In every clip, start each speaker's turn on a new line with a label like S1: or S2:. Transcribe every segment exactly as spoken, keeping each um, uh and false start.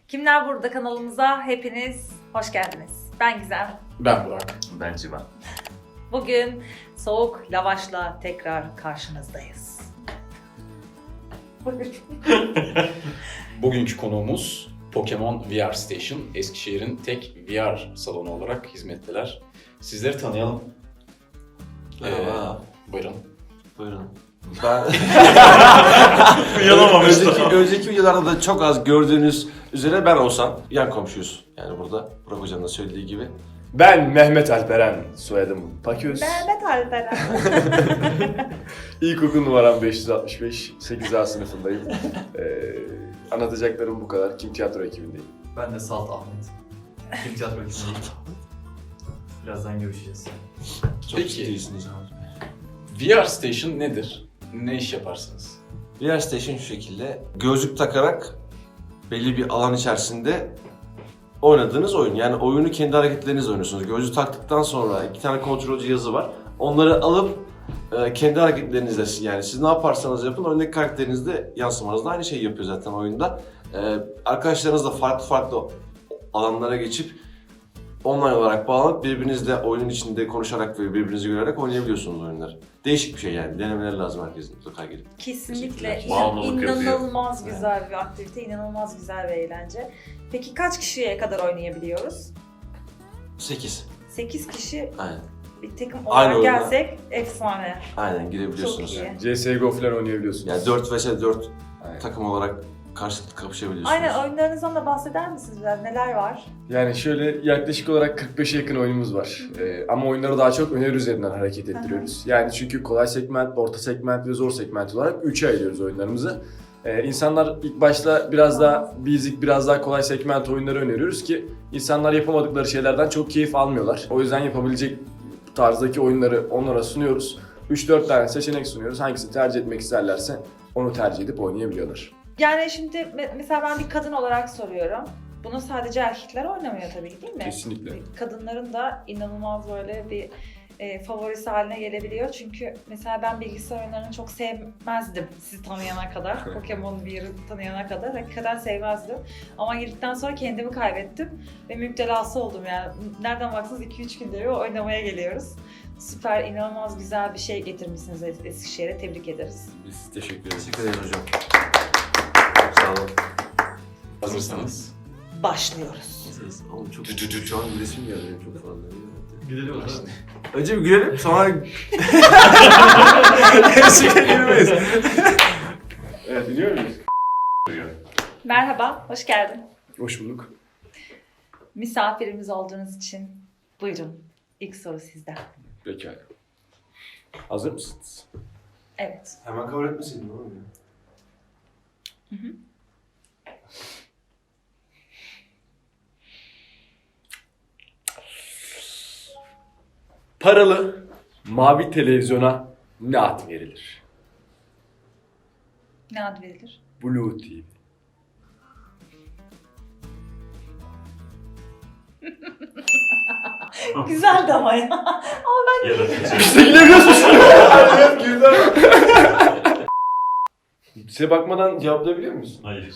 S1: Kimler Burada kanalımıza hepiniz hoş geldiniz. Ben Gizem.
S2: Ben Burak.
S3: Ben Civan.
S1: Bugün soğuk lavaşla tekrar karşınızdayız.
S2: Bugünkü konuğumuz Pokemon V R Station. Eskişehir'in tek V R salonu olarak hizmetteler. Sizleri tanıyalım.
S3: Merhaba.
S2: Ee, buyurun.
S3: Buyurun. Ben
S2: Uyanamamıştım.
S3: önceki, önceki videolarda da çok az gördüğünüz üzere ben olsam yan komşuyuz. Yani burada Burak Hoca'nın da söylediği gibi.
S4: Ben Mehmet Alperen, soyadım Paköz.
S1: Mehmet Alperen.
S4: İlkokul numaram beş yüz altmış beş, sekiz A sınıfındayım. Ee, anlatacaklarım bu kadar. Kim Tiyatro ekibindeyim.
S5: Ben de Salt Ahmet. Kim tiyatro ekibindeyim. Birazdan görüşeceğiz.
S3: Çok
S2: Peki.
S3: ciddiyisiniz abi.
S2: V R Station nedir? Ne iş yaparsınız?
S3: V R Station şu şekilde. Gözlük takarak belli bir alan içerisinde oynadığınız oyun. Yani oyunu kendi hareketlerinizle oynuyorsunuz. Gözlüğü taktıktan sonra iki tane kontrol cihazı var. Onları alıp e, kendi hareketlerinizle, yani siz ne yaparsanız yapın oyundaki karakterinizde yansımanızda aynı şeyi yapıyor zaten oyunda. E, arkadaşlarınızla farklı farklı alanlara geçip online olarak bağlanıp birbirinizle oyunun içinde konuşarak ve birbirinizi görerek oynayabiliyorsunuz oyunları. Değişik bir şey yani. Denemeleri lazım herkesin mutlaka gelip.
S1: Kesinlikle
S3: Teşekkürler.
S1: inan-
S3: Bağımlılık yapıyor.
S1: inanılmaz güzel bir aktivite, inanılmaz güzel bir eğlence. Peki kaç kişiye kadar oynayabiliyoruz?
S3: sekiz.
S1: sekiz kişi
S3: Aynen.
S1: bir takım
S3: Aynı
S1: olarak
S3: oyuna.
S1: gelsek efsane.
S3: Aynen girebiliyorsunuz.
S1: Çok iyi.
S4: C S G O falan oynayabiliyorsunuz.
S3: Yani dört vs dört
S4: Aynen.
S3: takım olarak karşılıklı kapışabiliyorsunuz.
S1: Aynen, oyunlarınızdan da bahseder misiniz biraz? Neler var?
S4: Yani şöyle yaklaşık olarak kırk beşe yakın oyunumuz var. Ee, ama oyunları daha çok öneri üzerinden hareket ettiriyoruz. Yani çünkü kolay segment, orta segment ve zor segment olarak üçe ayırıyoruz oyunlarımızı. Ee, insanlar ilk başta biraz daha basic, biraz daha kolay segment oyunları öneriyoruz ki insanlar yapamadıkları şeylerden çok keyif almıyorlar. O yüzden yapabilecek tarzdaki oyunları onlara sunuyoruz. üç dört tane seçenek sunuyoruz. Hangisini tercih etmek isterlerse onu tercih edip oynayabiliyorlar.
S1: Yani şimdi me- mesela ben bir kadın olarak soruyorum. Bunu sadece erkekler oynamıyor tabii ki, değil mi?
S4: Kesinlikle.
S1: Kadınların da inanılmaz böyle bir e, favorisi haline gelebiliyor. Çünkü mesela ben bilgisayar oyunlarını çok sevmezdim sizi tanıyana kadar. Pokemon bir'i tanıyana kadar hakikaten sevmezdim. Ama girdikten sonra kendimi kaybettim ve müptelası oldum yani. Nereden baksanız iki üç günde bir oynamaya geliyoruz. Süper, inanılmaz güzel bir şey getirmişsiniz Es- Eskişehir'e. Tebrik ederiz.
S4: Biz teşekkür ederiz.
S3: Teşekkür ederim hocam. Sağ olun.
S2: Hazırsanız.
S1: Başlıyoruz.
S3: Oğlum çok şu an resim geldi benim çok fazla.
S5: Gidelim o zaman.
S3: Önce bir gülelim sonra gerçekten gülmeyiz.
S4: Evet, dinliyor muyuz?
S1: Merhaba, hoş geldin.
S4: Hoş bulduk.
S1: Misafirimiz olduğunuz için buyurun. İlk soru sizden.
S4: Pekala. Hazır mısınız?
S1: Evet.
S3: Hemen kabul etmeseydin oğlum ya.
S4: Paralı mavi televizyona ne ad verilir?
S1: Ne ad verilir?
S4: Blue T V.
S1: Güzeldi ama ya.
S4: İşte gülüyorsun. Evet, güldüm. Size bakmadan cevaplayabiliyor musun?
S5: Hayır.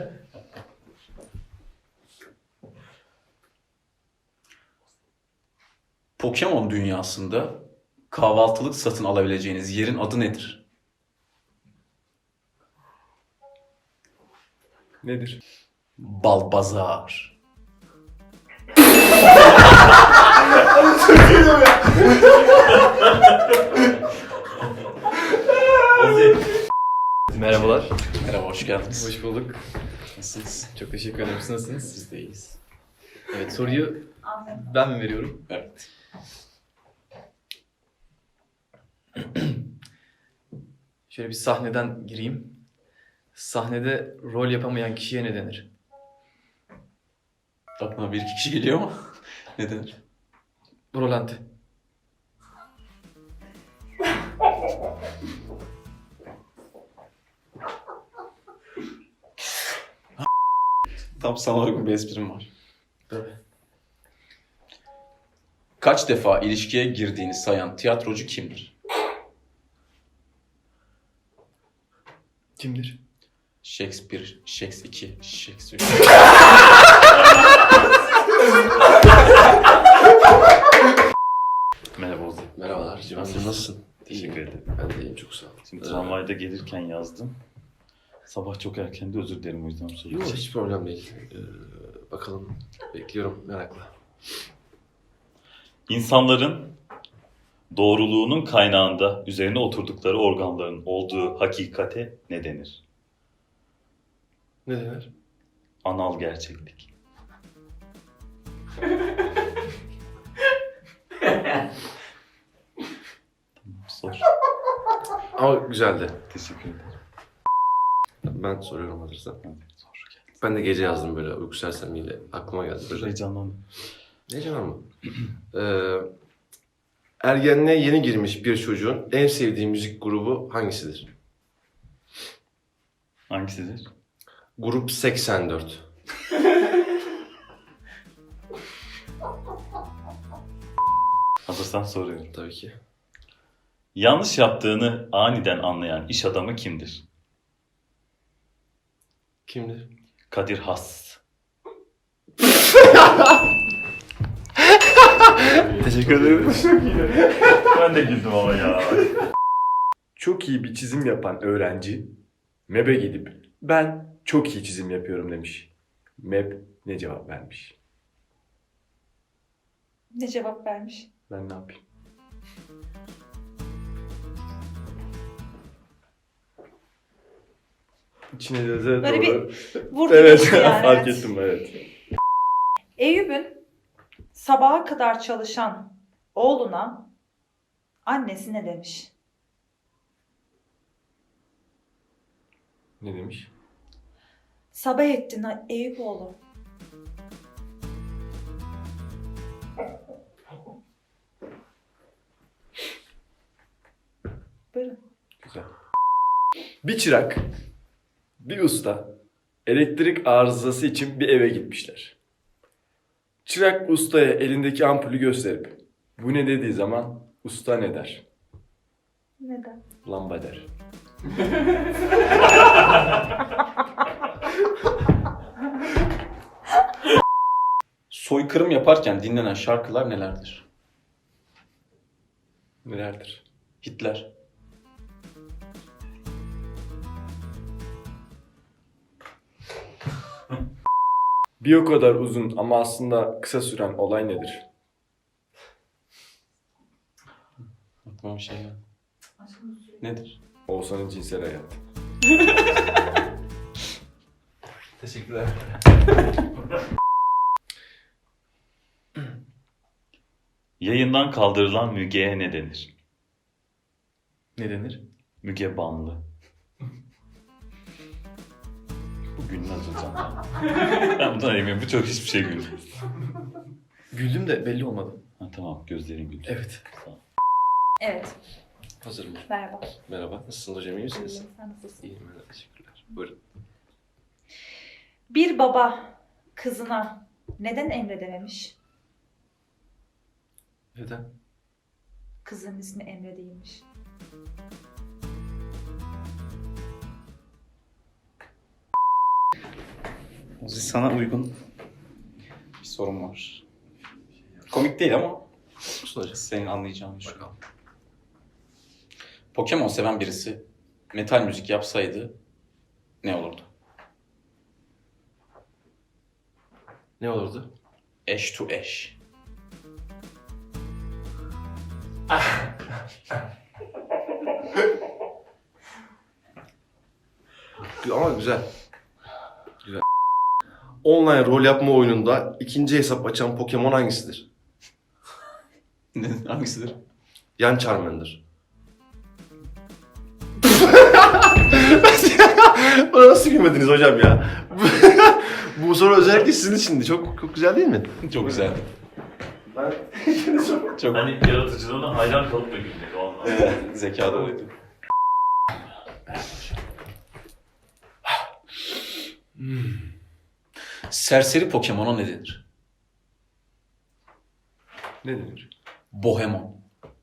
S2: Pokemon dünyasında kahvaltılık satın alabileceğiniz yerin adı nedir?
S4: Nedir?
S2: Balbazar.
S5: Merhabalar.
S2: Merhaba, hoş geldiniz.
S5: Hoş bulduk.
S2: Nasılsınız?
S5: Çok teşekkür ederim. Siz nasılsınız?
S2: Biz de iyiyiz.
S5: Evet, soruyu
S1: Anladım.
S5: ben mi veriyorum?
S2: Evet.
S5: Şöyle bir sahneden gireyim. Sahnede rol yapamayan kişiye ne denir?
S2: Aklına bir iki kişi geliyor mu? Ne denir?
S5: Rolante.
S2: Tam sana uygun bir esprim var.
S5: Tabii.
S2: Kaç defa ilişkiye girdiğini sayan tiyatrocu kimdir?
S5: Kimdir?
S2: Shakespeare, Shakespeare iki, Shakespeare.
S6: otelde gelirken yazdım. Sabah çok erken de özür dilerim o yüzden
S3: Yok
S6: soruyorum.
S3: hiç problem değil. Ee, bakalım. Bekliyorum merakla.
S6: İnsanların doğruluğunun kaynağında üzerine oturdukları organların olduğu hakikate ne denir?
S3: Ne denir?
S6: Anal gerçeklik. Sor.
S3: Ama güzeldi.
S6: Teşekkür ederim.
S3: Ben soruyorum hazırsan.
S6: Hadi, sor.
S3: Ben de gece yazdım böyle uyku sersemiyle. Aklıma geldi böyle.
S6: Heyecanlandım.
S3: Ne canım mı? Ee, ergenliğe yeni girmiş bir çocuğun en sevdiği müzik grubu hangisidir?
S6: Hangisidir?
S3: Grup seksen dört.
S6: Hazırsan soruyorum.
S3: Tabii ki.
S6: Yanlış yaptığını aniden anlayan iş adamı kimdir?
S3: Kimdir?
S6: Kadir Has.
S4: Teşekkür ederim.
S6: Ben de güldüm ama ya.
S4: Çok iyi bir çizim yapan öğrenci M E B'e gidip ben çok iyi çizim yapıyorum demiş. M E B ne cevap vermiş?
S1: Ne cevap vermiş?
S4: Ben ne yapayım? İçine de de
S1: Böyle
S4: doğru.
S1: Vurdu
S4: Evet,
S1: geçti yani.
S4: fark
S1: evet.
S4: ettim evet.
S1: Eyüp'ün sabaha kadar çalışan oğluna annesi ne demiş?
S4: Ne demiş?
S1: Sabah ettin ha- Eyüp oğlu. Buyurun.
S4: Güzel. Bir çırak, bir usta elektrik arızası için bir eve gitmişler. Çırak ustaya elindeki ampulü gösterip bu ne dediği zaman usta ne der?
S1: Neden?
S4: Lamba der.
S2: Soykırım yaparken dinlenen şarkılar nelerdir?
S4: Nelerdir?
S2: Hitler.
S4: Bir o kadar uzun ama aslında kısa süren olay nedir?
S2: Aklıma bir şey geldi. Nedir?
S4: Oğuzhan'ın cinsel hayatı.
S3: Teşekkürler.
S6: Yayından kaldırılan Müge'ye ne denir?
S5: Ne denir?
S6: Müge Banlı. Bu gülmez hocam. Ben bundan eminim. Bu çok hiçbir şey gülmez.
S5: Güldüm de belli olmadı.
S6: Ha, tamam gözlerin güldü.
S5: Evet.
S6: Tamam.
S1: Evet.
S3: Hazırım.
S1: Merhaba.
S3: Merhaba. Nasılsınız hocam? İyi misiniz?
S1: İyiyim, sen nasılsın?
S3: İyiyim. ben de, Teşekkürler. Buyurun.
S1: Bir baba kızına neden emredememiş?
S3: Neden?
S1: Kızın ismi Emre değilmiş.
S2: Ozi, sana uygun bir sorum var. Komik değil ama
S3: Olsun hocam.
S2: senin anlayacağın şu. Pokemon seven birisi metal müzik yapsaydı ne olurdu?
S3: Ne olurdu?
S2: Ash to Ash.
S3: Ama güzel. Güzel. Online rol yapma oyununda ikinci hesap açan Pokemon hangisidir?
S2: Ne- Hangisidir?
S3: Yan Charmander. Bana nasıl gülmediniz hocam ya? Bu soru özellikle sizin içindi. Çok çok güzel değil mi?
S2: Çok güzeldi.
S3: Ben
S2: Çok
S6: Hani yaratıcılığına hayran kalıp da gülmek o anlamda.
S2: evet, zeka doluydu. Serseri Pokemon'a ne denir?
S4: Ne denir?
S2: Bohemon.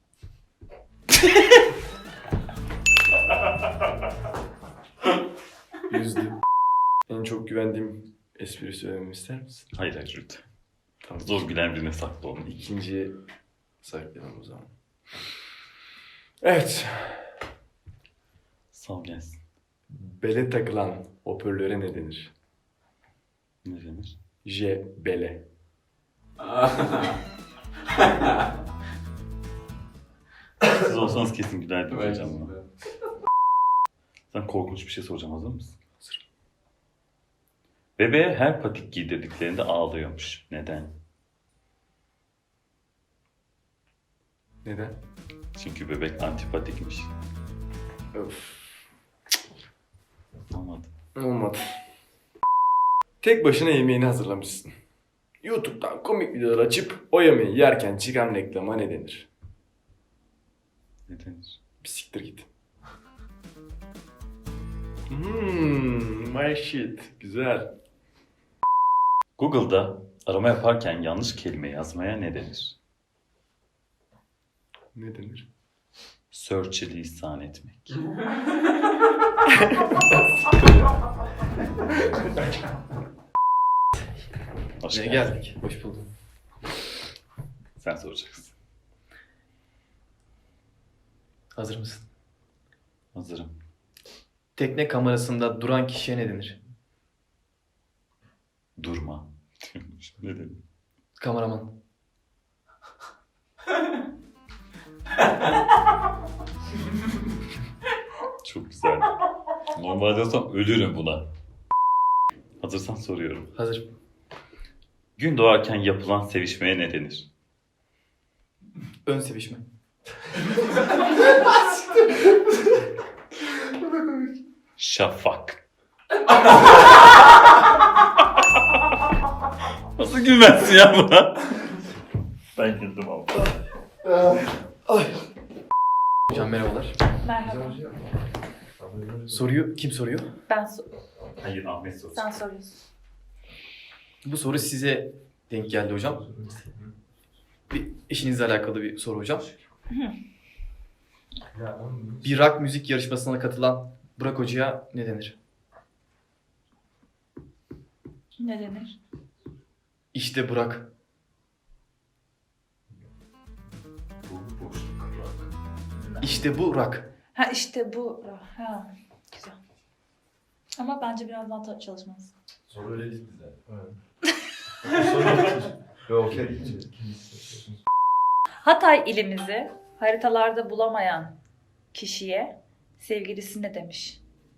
S4: Yüzdüm. En çok güvendiğim espri söylememi ister misin?
S6: Hayır hayır lütfen. Tamam, zor gülen birine saklı onu.
S4: İkinciye saklayalım o zaman. Evet.
S6: Sal gelsin.
S4: Bele takılan hoparlöre ne denir?
S6: Ne denir?
S4: J bele.
S6: Siz olsanız kesin gülerdim hocam buna. Sen korkunç bir şey soracağım, hazır mısın? Hazırım. Bebeğe her patik giydirdiklerinde ağlıyormuş. Neden?
S4: Neden?
S6: Çünkü bebek antipatikmiş.
S4: Öf.
S6: Olmadı.
S4: Olmadı. Tek başına yemeğini hazırlamışsın. YouTube'dan komik videolar açıp o yemeği yerken çıkan reklama ne denir?
S6: Ne denir?
S4: Bir siktir git. Hmm, my shit. Güzel.
S6: Google'da arama yaparken yanlış kelime yazmaya ne denir?
S4: Ne denir?
S6: Search'i lisan etmek. Hoş
S5: Ne
S6: geldin.
S5: geldik? Hoş bulduk.
S6: Sen soracaksın.
S5: Hazır mısın?
S6: Hazırım.
S5: Tekne kamerasında duran kişiye ne denir?
S6: Durma. Ne denir?
S5: Kameraman.
S6: Çok güzel. Normalde olsam ölürüm buna. Hazırsan soruyorum.
S5: Hazır.
S6: Gün doğarken yapılan sevişmeye ne denir?
S5: Ön sevişme.
S6: Şafak. Nasıl gülmezsin ya buna? Ben güldüm ama.
S5: Hocam merhabalar.
S1: Merhaba.
S5: Soruyu kim soruyor?
S1: Ben so-
S6: Hayır, Ahmet sorusu.
S1: sen soruyorsun.
S5: Bu soru size denk geldi hocam. Bir işinizle alakalı bir soru hocam. Bir rock müzik yarışmasına katılan Burak Hoca'ya ne denir?
S1: Ne denir?
S5: İşte Burak. İşte bu rock.
S1: Ha işte bu. Ha, güzel. Ama bence biraz daha ta- çalışmalısın.
S3: Soru öyle değil bize.
S7: Yok.
S1: Hatay ilimizi haritalarda bulamayan kişiye sevgilisi ne demiş?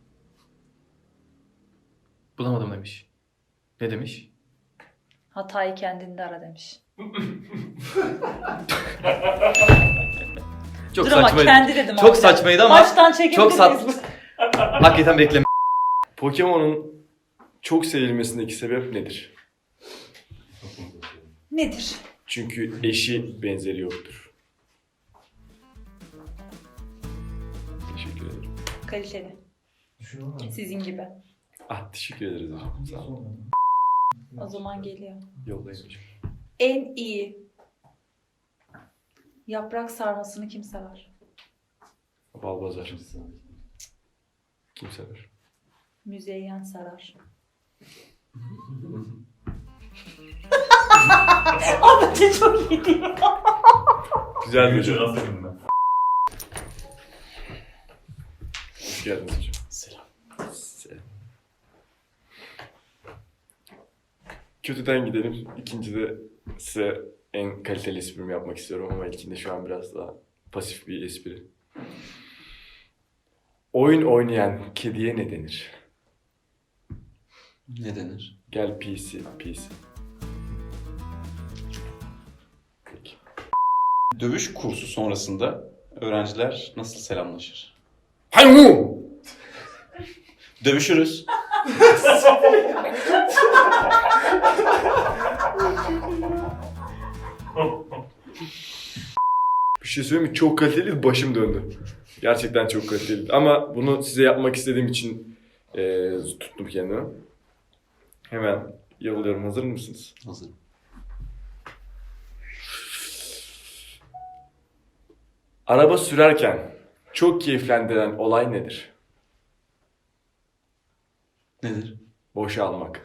S5: Bulamadım demiş. Ne demiş?
S1: Hatay'ı kendinde ara demiş.
S5: Çok
S1: Dur ama
S5: saçmaydı.
S1: kendi dedim.
S5: Çok
S1: abi.
S5: saçmaydı ama
S1: Baştan çekebilir
S5: çok sat-
S1: miyiz
S5: hakikaten bekleme.
S4: Pokemon'un çok sevilmesindeki sebep nedir?
S1: bu? Nedir?
S4: Çünkü eşi benzeri yoktur. Teşekkür ederim.
S1: Kaliteli. Sizin gibi.
S4: Ah teşekkür ederiz hocam. Sağ olun.
S1: O zaman geliyor.
S4: Yoldayım hocam.
S1: En iyi yaprak sarmasını kim sever?
S4: Balbazar. Kim sever?
S1: Müzeyyen Sarar. Abi çok iyi değil mi?
S4: Güzel bir hocam.
S6: Nasıl bilmem.
S4: Hoş geldiniz hocam.
S6: Selam.
S4: Selam. Kötüden gidelim. İkincide size en kaliteli esprimi yapmak istiyorum ama ilkinde şu an biraz daha pasif bir espri. Oyun oynayan kediye ne denir?
S2: Ne denir?
S4: Gel P C, P C. Peki.
S2: Dövüş kursu sonrasında öğrenciler nasıl selamlaşır?
S4: Haymu!
S2: Dövüşürüz.
S4: Bir şey söyleyeyim mi? Çok kaliteli, başım döndü. Gerçekten çok kaliteli. Ama bunu size yapmak istediğim için eee, tuttum kendimi. Hemen yolluyorum. Hazır mısınız?
S2: Hazır.
S4: Araba sürerken çok keyiflendiren olay nedir?
S2: Nedir?
S4: Boşa almak.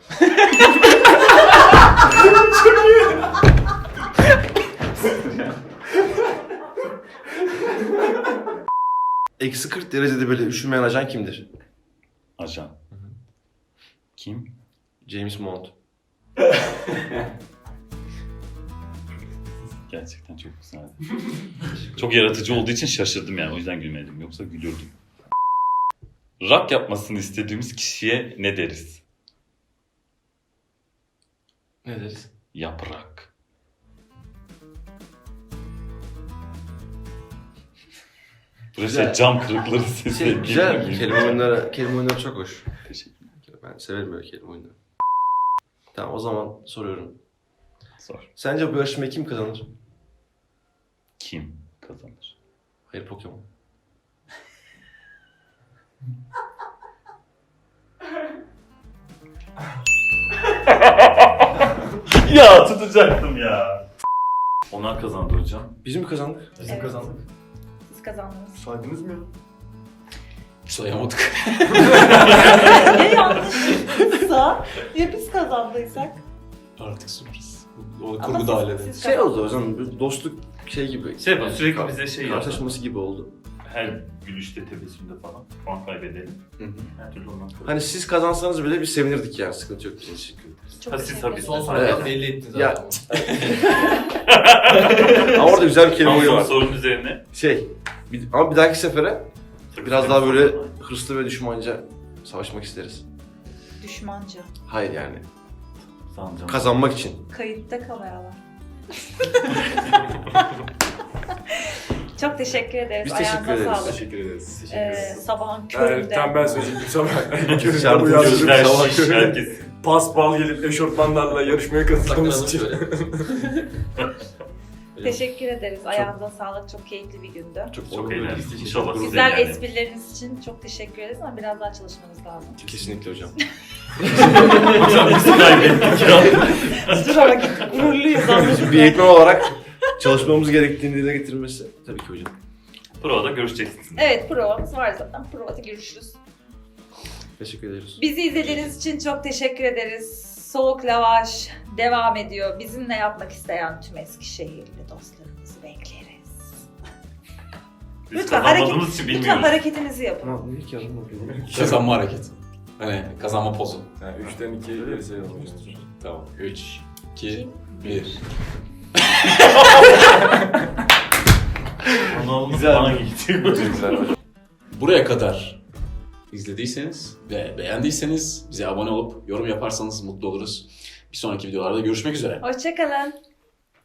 S4: Eksi kırk
S3: kırk derecede böyle üşümeyen ajan kimdir?
S6: Ajan. Kim?
S3: James Bond.
S6: Gerçekten çok güzeldi. Çok yaratıcı olduğu için şaşırdım yani. O yüzden gülmedim. Yoksa gülürdüm. Rock yapmasını istediğimiz kişiye ne deriz?
S3: Ne deriz?
S6: Yaprak. Burası
S3: Güzel.
S6: cam kırıkları sesi.
S3: Şey, güzel.
S6: Geliyor.
S3: Kelime oyunları, kelime oyunları çok hoş.
S6: Teşekkürler.
S3: Ben severim böyle kelime oyunları. Tamam o zaman soruyorum.
S6: Sor.
S3: Sence bu yarışmayı kim kazanır?
S6: Kim kazanır?
S3: Hayır, Pokemon.
S6: Ya tutacaktım ya. Onlar kazandı hocam.
S3: Biz mi kazandık?
S5: Bizim
S1: Evet.
S5: kazandık.
S1: Siz kazandınız.
S5: Saydınız mı ya?
S2: Sayamadık.
S1: Ya yanlışsa ya biz kazandıysak.
S2: Artık sürpriz. O
S1: Ama
S2: kurgu
S1: siz-
S2: da hallederiz.
S1: siz
S3: Şey oldu
S1: kazandınız.
S3: hocam, bir dostluk şey gibi.
S6: Şey yapalım, sürekli bize şey yapalım.
S3: Karşılaşması gibi oldu.
S6: Her gülüşte, tebessümde falan puan kaybedelim.
S2: Hı hı.
S6: Her türlü ondan sonra.
S3: Hani siz kazansanız bile biz sevinirdik yani, sıkıntı yok bizim için.
S1: Çok
S6: Ha, siz
S1: teşekkür
S6: tabii.
S1: ederim.
S5: Son
S6: Evet.
S5: sorudan belli ettiniz
S3: Ya-
S5: zaten.
S3: Ama orada güzel bir kelime
S6: Son
S3: oyunu
S6: soru
S3: var.
S6: sorunun üzerine.
S3: Şey, bir- ama bir dahaki sefere
S6: Sakın
S3: biraz
S6: sakın
S3: daha böyle
S6: sorma.
S3: hırslı ve düşmanca savaşmak isteriz.
S1: Düşmanca.
S3: Hayır yani,
S6: Sanacağım.
S3: kazanmak için.
S1: Kayıtta kameralar. Çok teşekkür ederiz.
S3: Biz teşekkür
S1: Ayağınıza
S3: ederiz.
S1: sağlık.
S4: Teşekkür ederiz.
S1: Ee, sabahın
S4: Yani,
S1: köründe.
S4: tam ben söyleyecektim sabah. Köründe
S3: Şarkı
S4: uyandırıp
S3: gözler
S4: sabah
S6: şiş,
S4: köründe
S6: herkes.
S4: paspal gelip eşofmanlarla yarışmaya katıldığımız
S5: Saklanalım
S4: için.
S5: şöyle.
S1: Teşekkür ederiz. Ayağınıza sağlık. Çok keyifli bir gündü.
S3: Çok,
S6: Çok
S3: çok
S6: eğlendim. İnşallah size
S1: Güzel
S6: yani.
S1: esprileriniz için çok teşekkür ederiz ama biraz daha çalışmanız lazım.
S3: Kesinlikle hocam.
S6: Hocam biz kaybettik ya.
S1: Dur ama git, gururluyuz anladın
S3: Bir eğitmen olarak çalışmamız gerektiğini dile getirmesi tabii ki hocam.
S6: Provada görüşeceksiniz.
S1: Evet, provamız var zaten. Provada görüşürüz.
S3: Teşekkür ederiz.
S1: Bizi izlediğiniz için çok teşekkür ederiz. Soğuk Lavaş devam ediyor. Bizimle yapmak isteyen tüm Eskişehirli dostlarımızı bekleriz.
S6: Biz
S1: Lütfen
S6: kazanmadığımız
S1: hareket,
S6: için
S1: lütfen
S6: bilmiyoruz.
S1: hareketinizi yapın.
S3: Ama niye ki yazdım?
S2: Kazanma hareketi. Hani kazanma pozu.
S4: Yani üçten ikiye geri sayalım.
S2: Tamam. üç, iki, bir.
S6: Ronaldo
S3: Güzel.
S6: bana gitti.
S2: Buraya kadar izlediyseniz ve beğendiyseniz bize abone olup yorum yaparsanız mutlu oluruz. Bir sonraki videolarda görüşmek üzere.
S1: Hoşçakalın.